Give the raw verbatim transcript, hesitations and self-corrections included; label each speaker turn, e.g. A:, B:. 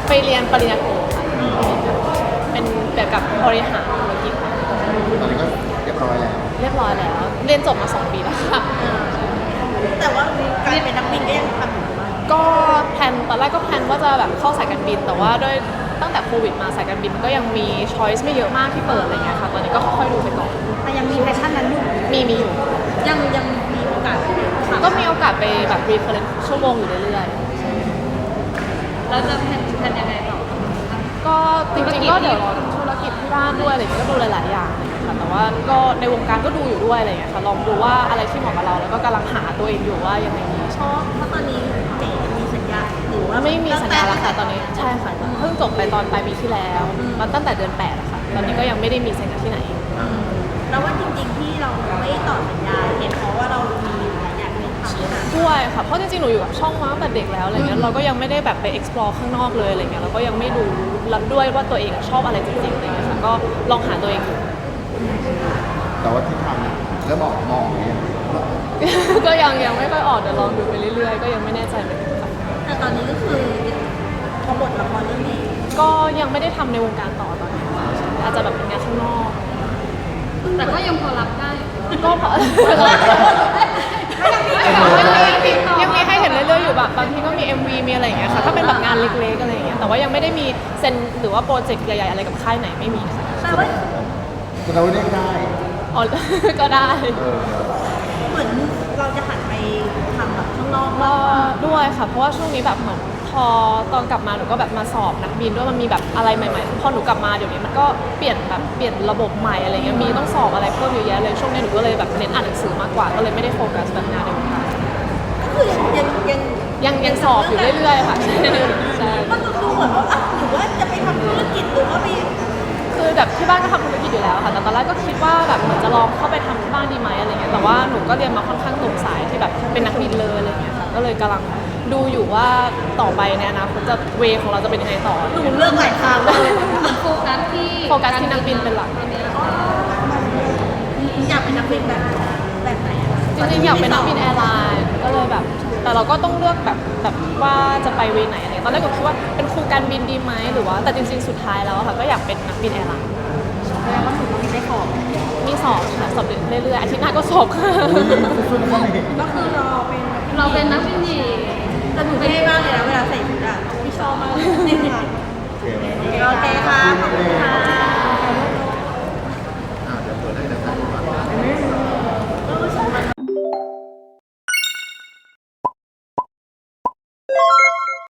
A: ไปเรียนปริญญาโทค่ะเป็นเกี่ยวกับบริหารธุรกิจ
B: ตอนนี้ก็เรียบร้อยแล้ว
A: เรียบร้อยแล้วเรียนจบมาสองปีแล้วค่ะ
C: แต่ว่าการเป็นนักบินก็ยังทำอยู่บ้าง
A: ก็แพลนตอนแรกก็แพลนว่าจะแบบเข้าสายการบินแต่ว่าด้วยตั้งแต่โควิดมาสายการบินก็ยังมีช้อยส์ไม่เยอะมากที่เปิดอะไรเงี้ยค่ะตอนนี้ก็ค่อยๆดูไปก่อน
C: แต่ยังมีแพชชั่นนั้นอยู่
A: มีมีอยู่
C: ยังยังมีโอกาส
A: ก็มีโอกาสไปแบบรีเฟรนซ์ชั่วโมงอยู่เรื่อย
C: ๆแล้วจะแพลนแพลนยังไงต่อ
A: ก็จริงๆก็เดี๋ยวรอธุรกิจที่บ้านด้วยอะไรเงี้ยก็ดูหลายๆอย่างค่ะแต่ว่าก็ในวงการก็ดูอยู่ด้วยอะไรเงี้ยค่ะลองดูว่าอะไรที่เหมาะกับเราแล้วก็กำลังหาตัวเองอยู่ว่ายังไงดี
C: ชอบเพราะตอนนี้เจ๋มีสัญญาหรือว่า
A: ไม่มีสัญญาแล้วค่ะตอนนี้ใช่ค่ะเพิ่งจบไปตอนปลายปีที่แล้วมาตั้งแต่เดือนแปดอะค่ะตอนนี้ก็ยังไม่ได้มีสัญญาที่ไหน
C: แล้วว่าจริงๆที่เราไม่ต่อสัญญาเห็นเพราะว่าเรามีหลายอย่างที่ทำ
A: ด้วยค่ะเพราะจริงๆหนูอยู่กับช่องมาตั้งแต่เด็กแล้วอะไรเงี้ยเราก็ยังไม่ได้แบบไป explore ข้างนอกเลยอะไรเงี้ยเราก็ยังไม่รู้รับด้วยว่าตัวเองชอบอะไรจริงๆอะไรเงี้ยค่ะก็ลองหาตัวเอง
B: แต่ว่าที่ทำเริ่มออกมองเนี่ย
A: ก็ยังยังไม่ค่อยออกเดี๋ยวลองดูไปเรื่อยๆก็ยังไม่แน่ใจเหมือนกัน
C: แต่ตอนนี้ก็คือพอบทละครเรื่องนี้
A: ก็ยังไม่ได้ทำในวงการต่อตอนนี้อาจจะแบบเป็นงานข้างนอก
C: แต่ก็ยังพอรับได้
A: ก็พอยังมีให้เห็นเรื่อยๆอยู่แบบบางทีก็มี เอ็ม วี มีอะไรอย่างเงี้ยค่ะถ้าเป็นแบบงานเล็กๆอะไรอย่างเงี้ยแต่ว่ายังไม่ได้มีเซ็นหรือว่าโปรเจกต์ใหญ่ๆอะไรกับค่ายไหนไม่มีค่ะ
C: แต่ว่า
B: เราเรียกได้
A: อ๋อก็ได้
C: เหมือนเราจะหันไปทำแบบข้างนอก
A: ก็ด้วยค่ะเพราะว่าช่วงนี้แบบเหมือนพอตอนกลับมาหนูก็แบบมาสอบนักบินด้วยมันมีแบบอะไรใหม่ๆพอหนูกลับมาเดี๋ยวนี้มันก็เปลี่ยนแบบเปลี่ยนระบบใหม่อะไรเงี้ยมีต้องสอบอะไรเพิ่มเยอะแยะเลยช่วงนี้หนูก็เลยแบบเน้นอ่านหนังสือมากกว่าก็เลยไม่ได้โฟกัสแบบงานในวงการ
C: ก็คือยังยัง
A: ยังยังสอบอยู่เรื่อยๆค่ะใช่
C: ก็ดูเหมือนว่าอ่ะหรือว่าจะไปทำธุรกิจหรือว่ามี
A: คือแบบที่บ้านก็ทำธุรกิจอยู่แล้วค่ะแต่ตอนแรกก็คิดว่าแบบเหมือนจะลองเข้าไปทำที่บ้านดีไหมอะไรเงี้ยแต่ว่าหนูก็เรียนมาค่อนข้างตรงสายที่แบบเป็นนักบินเลยอะไรเงี้ยค่ะก็เลยกำลังดูอยู่ว่าต่อไปในอนาคตจะเวของเราจะเป็นยังไงต่อ
C: หนูเลือกหลายทางเลยโฟกัสที่
A: โฟกัสที่นักบินเป็นหลัก
C: อยากเป็นนักบินแบบแบบไหน
A: จริงๆอยากเป็นนักบินแอร์ไลน์ก็เลยแบบแต่เราก็ต้องเลือกแบบแบบว่าจะไปเวไหนอะไรตอนแรกก็คิดว่าเป็นครูการบินดีไหมหรือว่าแต่จริงๆสุดท้ายแล้วค่ะก็อยากเป็นนักบินแอร์ไลน์
C: แสดงว่าหนูต้องมีได้สอบ
A: มีสอบค่ะสอบเรื่อยๆอาทิตย์หน้าก็สอบค่ะ
C: ก็คือเราเป็นเราเป็นนักบินดีแต่หนูเท่มากเลยนะเวลาใส่ชุดอ่ะพี่ชอบมากเลยโอเคค่ะขอบคุณค่ะ